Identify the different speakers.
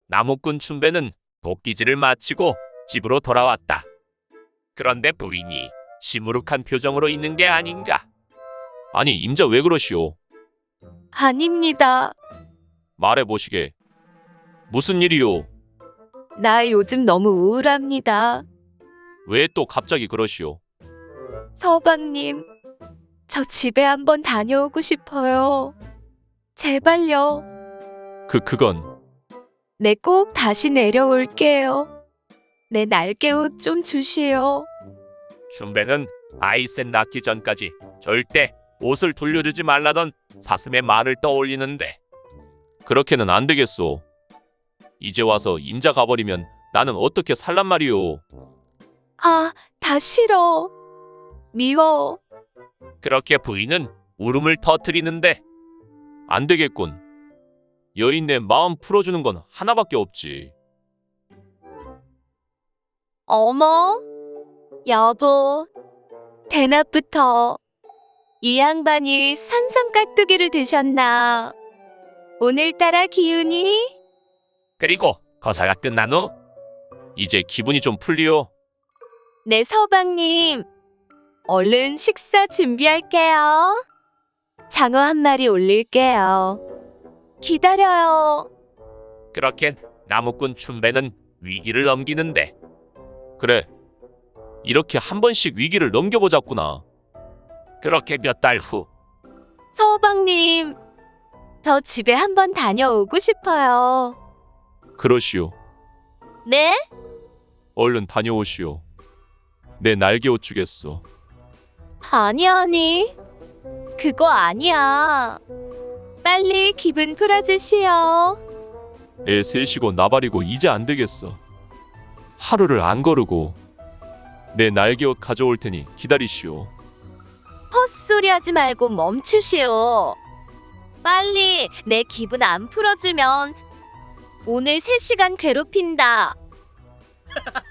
Speaker 1: 나무꾼 춘배는 도끼질을 마치고 집으로 돌아왔다. 그런데 부인이 시무룩한 표정으로 있는 게 아닌가. 아니, 임자 왜 그러시오?
Speaker 2: 아닙니다.
Speaker 1: 말해보시게. 무슨 일이오?
Speaker 2: 나 요즘 너무 우울합니다.
Speaker 1: 왜 또 갑자기 그러시오?
Speaker 2: 서방님, 저 집에 한번 다녀오고 싶어요. 제발요.
Speaker 1: 그건
Speaker 2: 네, 꼭 다시 내려올게요. 내 날개옷 좀 주시오.
Speaker 1: 춘배는 아이셋 낳기 전까지 절대 옷을 돌려주지 말라던 사슴의 말을 떠올리는데 그렇게는 안 되겠소. 이제 와서 임자 가버리면 나는 어떻게 살란 말이오.
Speaker 2: 아, 다 싫어. 미워.
Speaker 1: 그렇게 부인은 울음을 터뜨리는데 안 되겠군. 여인네 마음 풀어주는 건 하나밖에 없지.
Speaker 2: 어머, 여보, 대낮부터 이 양반이 산삼깍두기를 드셨나? 오늘따라 기운이?
Speaker 1: 그리고 거사가 끝난 후 이제 기분이 좀 풀리오.
Speaker 2: 네, 서방님. 얼른 식사 준비할게요. 장어 한 마리 올릴게요. 기다려요.
Speaker 1: 그렇게 나무꾼 춘배는 위기를 넘기는데 그래, 이렇게 한 번씩 위기를 넘겨보자꾸나. 그렇게 몇 달 후
Speaker 2: 서방님, 저 집에 한번 다녀오고 싶어요.
Speaker 1: 그러시오.
Speaker 2: 네?
Speaker 1: 얼른 다녀오시오. 내 날개옷 주겠소.
Speaker 2: 아니. 그거 아니야. 빨리 기분 풀어주시오.
Speaker 1: 애 셋이고 나발이고 이제 안 되겠어. 하루를 안 거르고 내 날개옷 가져올 테니 기다리시오.
Speaker 2: 헛소리 하지 말고 멈추시오. 빨리 내 기분 안 풀어주면 오늘 3시간 괴롭힌다.